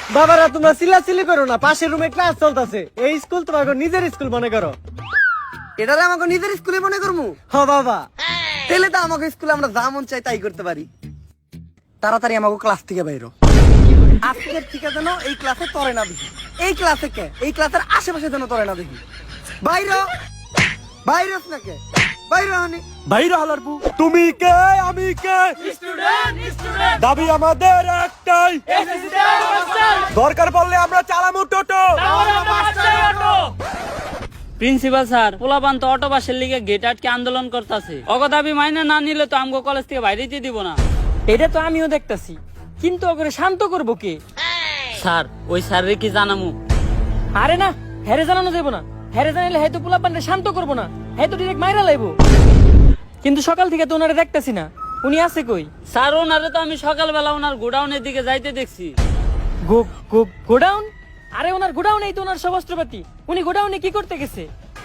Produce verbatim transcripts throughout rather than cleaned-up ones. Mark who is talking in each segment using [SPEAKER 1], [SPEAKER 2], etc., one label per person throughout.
[SPEAKER 1] বাবারা তোমরা চিল্লাচিল্লি করো না, পাশের রুমে ক্লাস চলতেছে। এই স্কুল তোমার নিজের স্কুল মনে করো।
[SPEAKER 2] এটারে আমাকে নিজের স্কুলে মনে করবো?
[SPEAKER 1] হ বাবা,
[SPEAKER 2] তাহলে তো আমাকে স্কুলে আমরা যা মন চাই তাই করতে পারি। তাড়াতাড়ি আমাকে ক্লাস থেকে বাইরো। আজকের থেকে যেন এই ক্লাসে তরে না দেখি। এই ক্লাসে কে, এই ক্লাসের আশেপাশে যেন তরে না দেখি। বাইরো বাইরো না কে বাইরো হানি
[SPEAKER 1] বাইরে হালারবু। তুমি কে আমি কে?
[SPEAKER 3] স্টুডেন্ট স্টুডেন্ট
[SPEAKER 1] দাবি আমাদের একটাই,
[SPEAKER 3] এসএসসি তে মাস্টার
[SPEAKER 1] দরকার পড়লে আমরা চালামু টোটো।
[SPEAKER 3] তাহলে মাস্টার অটো। প্রিন্সিপাল স্যার, পোলাপান তো অটো বাসের লিগে গেট আটকে আন্দোলন করতেছে। অগো দাবি মাইনে না নিলে তো আমগো কলেজ থেকে বাইরে যেতে দিব না।
[SPEAKER 4] এটা তো আমিও দেখতাছি, কিন্তু ওকে শান্ত করবো কে?
[SPEAKER 3] স্যার, ওই স্যারের কি জানামু?
[SPEAKER 4] আরে না, হেরে জানানো যাবো না। হেরে জানাইলে হয়তো পোলাপানরে শান্ত করবো না, হয়তো ডিরেক্ট মাইরা লাইবো। কিন্তু সকাল থেকে তো ওনারে দেখতাছি না, উনি আছে কই?
[SPEAKER 3] স্যার, ওনারে তো আমি সকালবেলা ওনার গোডাউনের দিকে যাইতে দেখছি।
[SPEAKER 4] Go go godown? আরে ওনার গোডাউনেই তো ওনার সব অস্ত্রপাতি। উনি গোডাউনে কি করতে গেছে?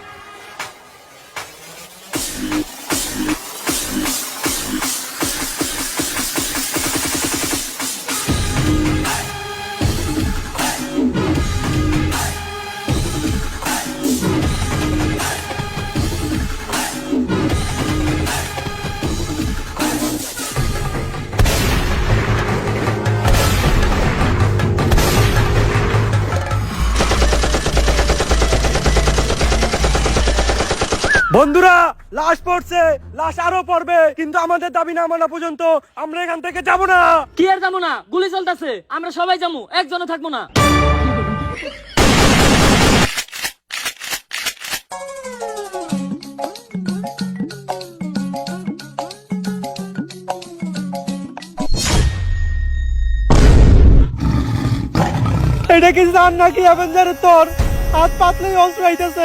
[SPEAKER 1] বন্ধুরা, লাশ পড়ছে, লাশ আরো পড়বে, কিন্তু আমাদের দাবি না মানা পর্যন্ত আমরা এখান থেকে যাব না।
[SPEAKER 4] কি আর যাবো না? গুলি চলতেছে, আমরা সবাই যাবো, একজনও থাকবো না।
[SPEAKER 1] এটা কি জান নাকি অ্যাভেঞ্জারের তোর হাত পাতলেই অস্ত্র আইতেছে।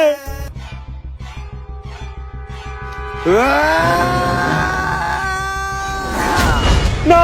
[SPEAKER 1] না,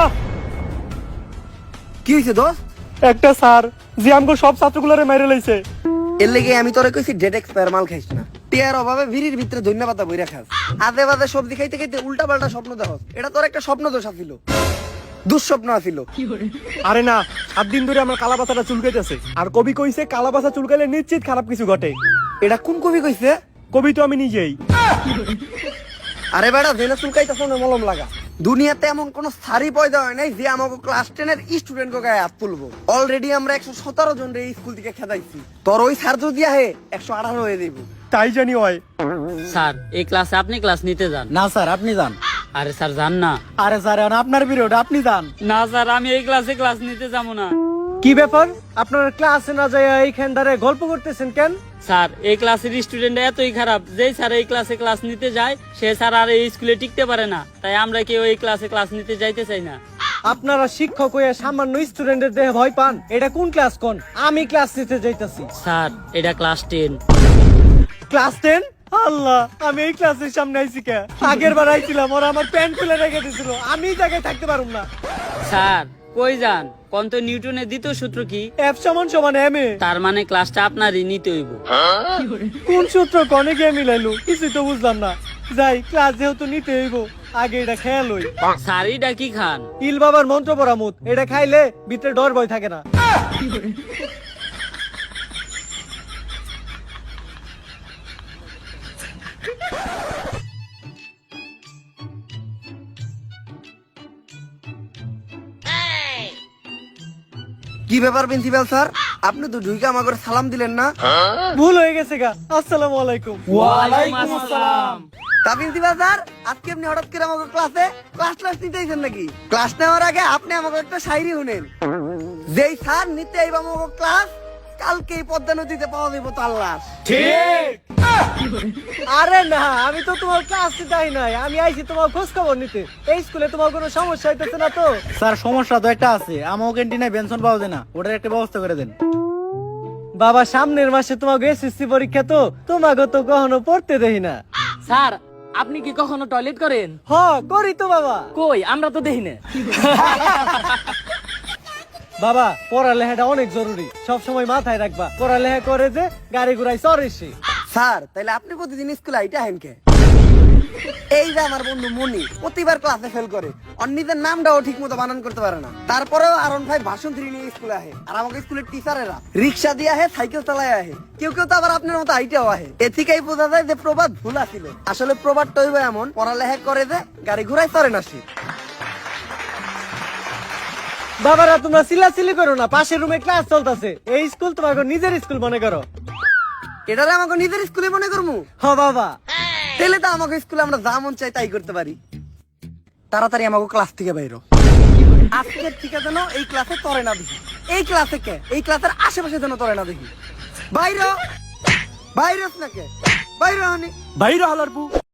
[SPEAKER 2] কি হয়েছে দোস্ত?
[SPEAKER 1] একটা স্যার যে আমগো সব ছাত্রগুলোরে মেরে লইছে।
[SPEAKER 2] এর লেগে আমি তোরে কইছি ডেট এক্সপায়ার মাল খাইস না। টিয়ার অভাবে ভিড়ির ভিতরে ধন্যবাদ বইরা খাস। আদে বাদে সবজি খাইতে খাইতে উল্টা পাল্টা স্বপ্ন দেখস। এটা তোর একটা স্বপ্ন দোষ আছিল, দুঃস্বপ্ন আছিল।
[SPEAKER 1] আরে না, সাত দিন ধরে আমার কালাবাসাটা চুলকাইতেছে, আর কবি কইছে কালাবাসা চুলকাইলে নিশ্চিত খারাপ কিছু ঘটে।
[SPEAKER 2] এটা কোন কবি কইছে?
[SPEAKER 1] কবি তো আমি নিজেই।
[SPEAKER 2] আরে বেটা, জেনে চুলকাইতেছ না মলম লাগা। দুনিয়াতে এমন কোন সারি পয়দা হয় নাই যে আমাকে ক্লাস টেনের স্টুডেন্ট গায়ে হাত তুলবো। অলরেডি আমরা একশো সতেরো জন এই স্কুল থেকে খেদাইছি। তোর ওই স্যার যদি আহে একশো আঠারো হয়ে দেবো।
[SPEAKER 1] তাই জানি হয়।
[SPEAKER 3] স্যার, এই ক্লাসে আপনি ক্লাস নিতে যান।
[SPEAKER 5] না স্যার, আপনি যান।
[SPEAKER 3] আরে স্যার, যান না।
[SPEAKER 5] আরে স্যার, এখন আপনার পিরিয়ড, আপনি যান।
[SPEAKER 3] না স্যার, আমি এই ক্লাসে ক্লাস নিতে যাবো না।
[SPEAKER 1] কি ব্যাপার, আপনারা ক্লাসে না যায় এইখান দাঁড়ায় গল্প করতেছেন কেন?
[SPEAKER 3] স্যার, এই ক্লাসের স্টুডেন্ট এতই খারাপ, যেই স্যার এই ক্লাসে ক্লাস নিতে যায় সে স্যার আর এই স্কুলে টিকতে পারে না। তাই আমরা কেউ এই ক্লাসে ক্লাস নিতে যাইতে চাই না।
[SPEAKER 1] আপনারা শিক্ষক হয়ে সামান্য স্টুডেন্টের দেহে ভয় পান? এটা কোন ক্লাস কোন? আমি ক্লাস নিতে যাইতাছি।
[SPEAKER 3] স্যার, এটা class ten.
[SPEAKER 1] Class ten? Allah, আমি এই ক্লাসের সামনে আইছি কে? আগের বার আইছিলাম, ওরা আমার প্যান্ট খুলে রেখে দিছিল, আমি এই জায়গায় থাকতে পারুম না।
[SPEAKER 3] স্যার, কই যান? কোন তো নিউটনের দ্বিতীয় সূত্র কি?
[SPEAKER 1] এফ সমান সমান এম এ।
[SPEAKER 3] তার মানে ক্লাসটা আপনারই নিতে হইব।
[SPEAKER 1] কোন সূত্র কনে গিয়ে মিলাইলো কিছুই তো বুঝলাম না। যাই, ক্লাস যেহেতু নিতে হইব, আগে এটা খেয়াল হই।
[SPEAKER 3] স্যার, এটা কি খান?
[SPEAKER 1] ইল বাবার মন্ত্র পরামুত, এটা খাইলে ভিতরে ডর ভয় থাকে না।
[SPEAKER 2] কি ব্যাপার প্রিন্সিপাল স্যার, আপনি তো ঢুইকা আমাকে সালাম দিলেন না?
[SPEAKER 1] ভুল হয়ে গেছে গা। আসসালামু আলাইকুম।
[SPEAKER 3] ওয়ালাইকুম আসসালাম।
[SPEAKER 2] তা প্রিন্সিপাল স্যার, আজকে আপনি হঠাৎ করে আমাকে ক্লাসে ক্লাস ক্লাস নিতে আইছেন নাকি? ক্লাস নেওয়ার আগে আপনি আমাকে একটা শায়রি শুনেন। যেই স্যার নিতে আইবা আমাকে ক্লাস, কালকে এই পদ্মা নদীতে পাওয়া যাইব তার লাশ।
[SPEAKER 1] ঠিক। আরে না, আমি তো তোমার ক্লাস নিতে আই নাই, আমি আইছি তোমার খোঁজ খবর নিতে। এই স্কুলে তোমার কোনো সমস্যা হইতেছে না তো?
[SPEAKER 5] স্যার, সমস্যা তো একটা আছে, আমার ক্যান্টিনে বেনশন পাওয়া যায় না, ওটার একটা ব্যবস্থা করে দেন।
[SPEAKER 1] বাবা, সামনের মাসে তোমাকে এসএসসি পরীক্ষা, তো তোমাকে তো কখনো পড়তে দেই না।
[SPEAKER 4] স্যার, আপনি কি কখনো টয়লেট করেন?
[SPEAKER 1] হ, করি তো বাবা।
[SPEAKER 4] কই, আমরা তো দেখি না।
[SPEAKER 1] বাবা, পড়ালেখাটা অনেক জরুরি, সব সময় মাথায় রাখবা। পড়ালেখা করে যে গাড়ি ঘুরাই চড়ে সে।
[SPEAKER 2] স্যার, তাইলে আপনি প্রতিদিন স্কুলে আইটা হেন কে? এই যে আমার বন্ধু মনি প্রতিবার ক্লাসে ফেল করে আর নিজের নামটাও ঠিক মতো বানান করতে পারে না, তারপরেও আরন ভাই ভাষণ থ্রি নিয়ে স্কুলে আহে। আর আমাকে স্কুলের টিচারেরা রিক্সা দিয়ে আহে, সাইকেল চালায় আহে, কেউ কেউ তো আবার আপনার মতো হাইটেও আহে। এ থেকেই বোঝা যায় যে প্রবাদ ভুল আছিল। আসলে প্রবাদটা হইব এমন, পড়ালেখা করে যে গাড়ি ঘোড়ায় চড়ে না সে।
[SPEAKER 1] বাবারা তোমরা চিল্লাচিল্লি করো না, পাশের রুমে ক্লাস চলতেছে। এই স্কুল তোমাকে নিজের স্কুল মনে করো।
[SPEAKER 2] এটারে আমাকে নিজের স্কুলে মনে করবো?
[SPEAKER 1] হ বাবা,
[SPEAKER 2] তাহলে তো আমাকে স্কুলে আমরা যা মন চাই তাই করতে পারি। তাড়াতাড়ি আমাকে ক্লাস থেকে বাইরো। আজকের থেকে যেন এই ক্লাসে তরে না দেখি। এই ক্লাসে কে, এই ক্লাসের আশেপাশে যেন তরে না দেখি। বাইরো বাইরো না কে বাইরো।
[SPEAKER 5] বাইরে হালার বউ